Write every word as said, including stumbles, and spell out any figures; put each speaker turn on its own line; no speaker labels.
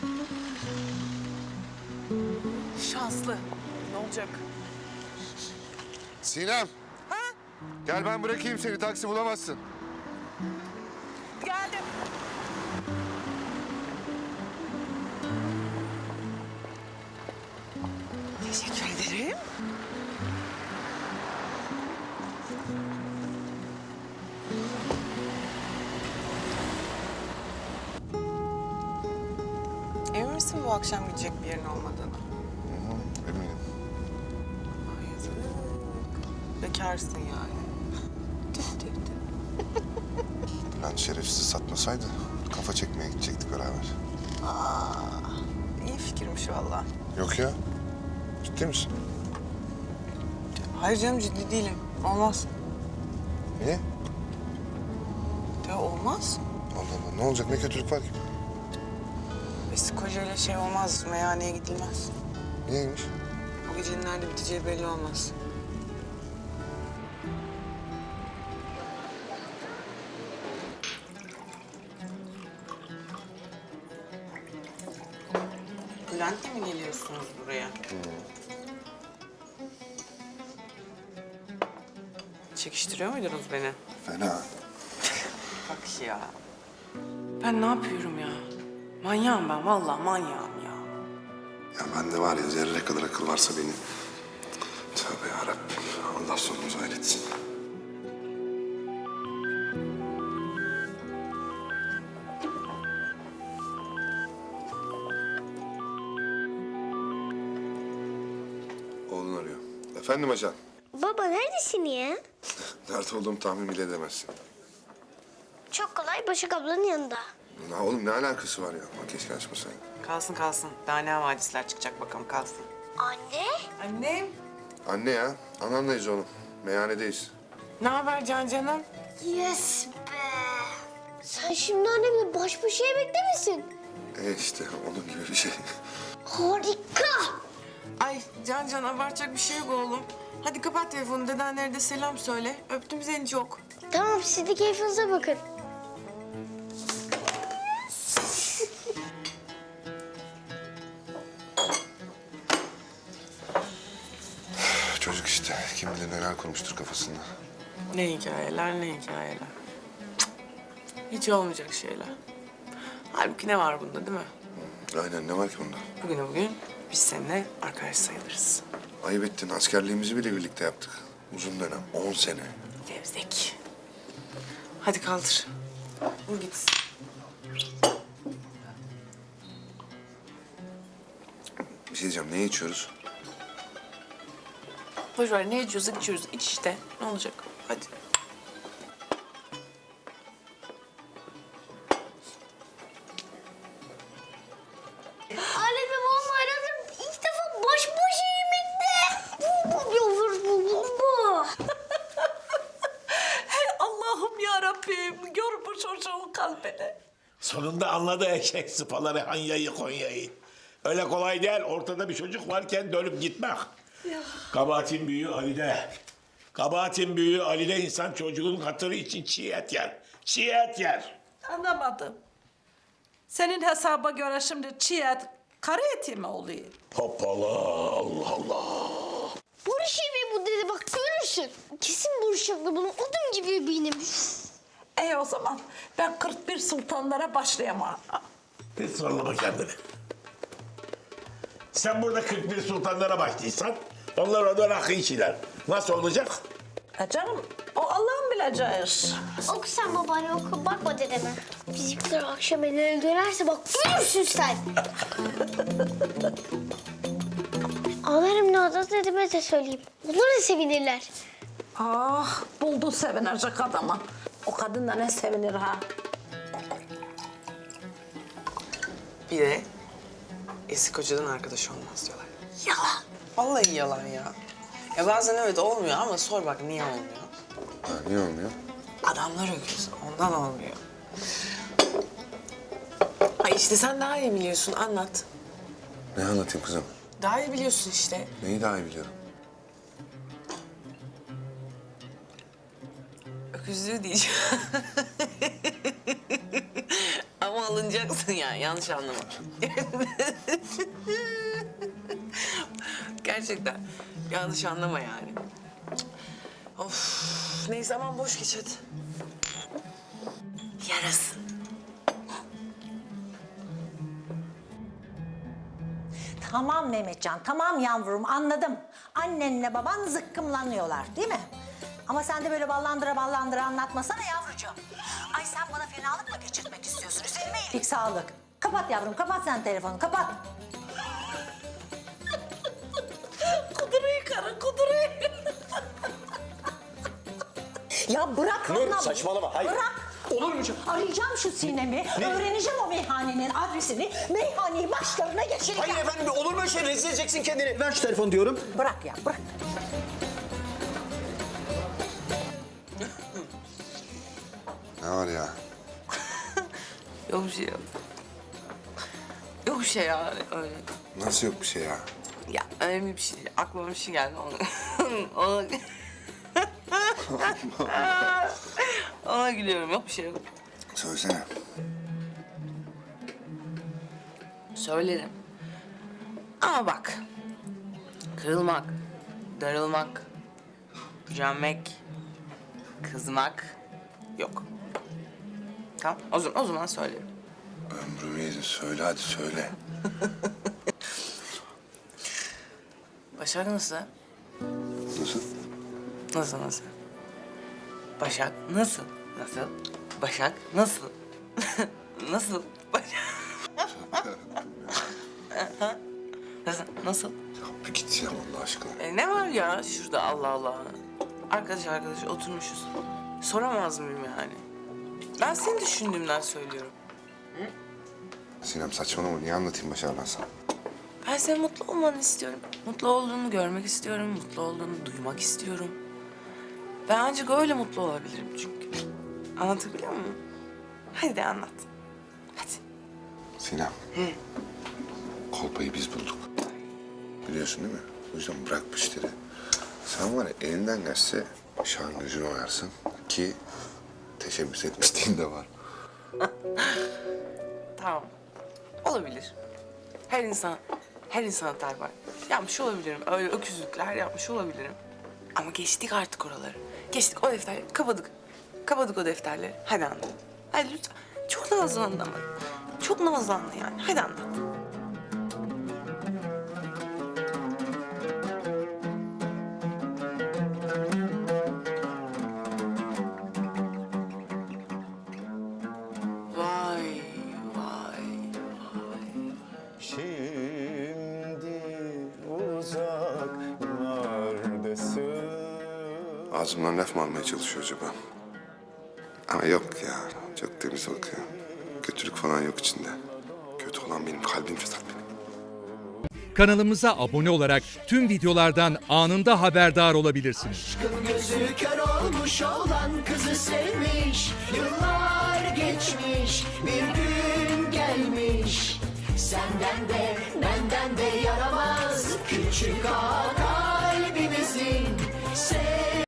Şanslı. Ne olacak?
Sinem.
Ha?
Gel ben bırakayım seni. Taksi bulamazsın.
Geldim. Teşekkür ederim. Emin misin bu akşam gidecek bir yerin olmadığını?
Eminim.
Ay yazık. Bekarsın yani. Tüh tüh tüh.
Bülent şerefsiz satmasaydı kafa çekmeye gidecektik beraber.
İyi fikirmiş vallahi.
Yok ya. Ciddi misin?
Hayır canım ciddi değilim. Olmaz.
Niye?
Ya olmaz.
Allah Allah. Ne olacak? Ne kötülük var ki?
Eski kocayla şey olmaz. Meyhaneye gidilmez.
Niyeymiş?
Bu gecenin nerede biteceği belli olmaz. Bülent'le mi geliyorsunuz buraya? Çekiştiriyor muydunuz beni?
Fena.
Bak ya. Ben ne yapıyorum ya? Manyağım ben, vallahi manyağım ya.
Ya bende var ya zerre kadar akıl varsa benim. Tövbe yarabbim. Allah sonumuzu hayretsin. Oğlun arıyor. Efendim ajan.
Baba neredesin ya?
Nerede olduğumu tahmin bile edemezsin.
Çok kolay Başak ablanın yanında.
Ya oğlum ne alakası var ya? Bak keşke açmasaydın.
Kalsın kalsın. Daha ne havadisler çıkacak bakalım kalsın.
Anne?
Annem.
Anne ya. Ananlayız oğlum. Meyhanedeyiz.
Ne haber Can canım?
Yes be. Sen şimdi annemle baş başa yemekte misin?
E işte onun gibi bir şey.
Harika.
Ay Can Can abartacak bir şey yok oğlum. Hadi kapat telefonu dedenlere de selam söyle. Öptüm seni çok.
Tamam siz de keyfinize bakın.
Çocuk işte. Kim bilir neler kurmuştur kafasında.
Ne hikayeler ne hikayeler. Cık, hiç olmayacak şeyler. Halbuki ne var bunda değil mi?
Aynen ne var ki bunda?
Bugüne bugün biz seninle arkadaş sayılırız.
Ayıp ettin. Askerliğimizi bile birlikte yaptık. Uzun dönem. On sene.
Gevzek. Hadi kaldır. Vur gitsin.
Bir şey diyeceğim. Ne içiyoruz?
Boş ver ne içiyorsak içiyoruz. İç işte. Ne olacak? Hadi.
Anne ve babam aradım. İlk defa baş başa yemekte. Bu bu yavrum bu bu bu.
Hey Allah'ım ya Rabbim, gör bu çocuğun kalbini.
Sonunda anladı eşek sıpaları Hanya'yı Konya'yı. Öyle kolay değil. Ortada bir çocuk varken dönüp gitmek. Kabahatin büyüğü Ali'de. Kabahatin büyüğü Ali'de insan çocuğun hatırı için çiğ et yer. Çiğ et yer.
Anlamadım. Senin hesaba göre şimdi çiğ et, karı eti mi oluyor?
Hoppala Allah Allah.
Barış yemeği bu dedi bak görürsün. Kesin Barış abla bunun odun gibi benim.
İyi o zaman ben kırk bir sultanlara başlayamam.
Hiç zorlama kendini. Sen burada kırk bir sultanlara başlıysan onlar orada rakı içiler. Nasıl olacak?
E canım o Allah'ın bileceği iş.
Oku sen babaanne oku bakma dedeme. Bizimkiler akşam ellerine dönerse bak görürsün sen. Ağlarım ne oldu dedeme de söyleyeyim. Onlar da sevinirler.
Ah buldun sevinecek adamı. O kadın da ne sevinir ha.
Bir de eski kocadan arkadaş olmaz diyorlar. Yalan. Vallahi yalan ya. Ya bazen evet olmuyor ama sor bak niye olmuyor?
Ha, niye olmuyor?
Adamlar öküz. Ondan olmuyor. Ay işte sen daha iyi biliyorsun. Anlat.
Ne anlatayım kızım?
Daha iyi biliyorsun işte.
Neyi daha iyi biliyorum?
Öküzlüğü diyeceğim. Ama ama alınacaksın yani. Yanlış anlama. Gerçekten. Yanlış anlama yani. Of. Neyse aman boş geç hadi. Yarasın.
Tamam Mehmetcan, tamam yavrum anladım. Annenle baban zıkkımlanıyorlar değil mi? Ama sen de böyle ballandıra ballandıra anlatmasana yavrucuğum. Ay sen bana fenalık mı geçirtmek istiyorsun? Üzerime iyilik sağlık. Kapat yavrum, kapat sen telefonu, kapat.
Kuduruyu karı kuduruyu.
Ya bırak
Nur,
anlam.
saçmalama, hayır.
Bırak.
Olur mu canım?
Arayacağım şu Sinem'i, öğreneceğim o meyhanenin adresini, meyhaneyi başlarına geçireceğim.
Hayır efendim, olur mu öyle şey? Rezil edeceksin kendini. Ver şu telefonu diyorum.
Bırak ya, bırak.
Ne var ya?
Yok bir şey yok. Yok bir şey ya öyle.
Nasıl yok bir şey ya?
Ya önemli bir şey değil. Aklıma bir şey geldi. Ona, ona... ona gülüyorum. Yok bir şey yok.
Söylesene.
Söylerim. Ama bak. Kırılmak, darılmak, gücenmek, kızmak yok. Tamam, o zaman, o zaman söylerim.
Ömrümü yedin. Söyle hadi söyle.
Başak nasıl?
Nasıl?
Nasıl nasıl? Başak nasıl? Nasıl? Başak nasıl? Nasıl? Başak... nasıl? Nasıl?
Ya bir git ya Allah aşkına.
E, ne var ya şurada Allah Allah. Arkadaş arkadaş oturmuşuz. Soramaz mıyım yani? Ben seni düşündüğümden söylüyorum.
Sinem saçmalama. Niye anlatayım Başar ben sana?
Ben senin mutlu olmanı istiyorum. Mutlu olduğunu görmek istiyorum. Mutlu olduğunu duymak istiyorum. Ben ancak öyle mutlu olabilirim çünkü. Anlatabiliyor muyum? Hadi de anlat. Hadi.
Sinem. Kolpayı biz bulduk. Biliyorsun değil mi? O yüzden bırak bu işleri. Sen var ya elinden gelse Başak'ın gözünü oyarsın ki teşebbüs etmişliğin de var.
Tamam. Olabilir. Her insan, her insan hata var. Yapmış olabilirim. Öyle öküzlükler yapmış olabilirim. Ama geçtik artık oraları. Geçtik o defterleri. Kapadık. Kapadık o defterleri. Hadi anlat. Hadi lütfen. Çok nazlandı ama. Çok nazlandı yani. Hadi anlat. Vay, vay, vay.
Şimdi uzaklardasın.
Ağzımdan laf mı almaya çalışıyor acaba? Ama yok ya. Çok temiz bakıyor. Kötülük falan yok içinde. Kötü olan benim kalbim fesat benim.
Kanalımıza abone olarak tüm videolardan anında haberdar olabilirsiniz.
Aşkın gözü kör olmuş olan kızı sevmiş. Yıllar geçmiş, bir gün gelmiş. Senden de benden de yaramaz küçük ağa.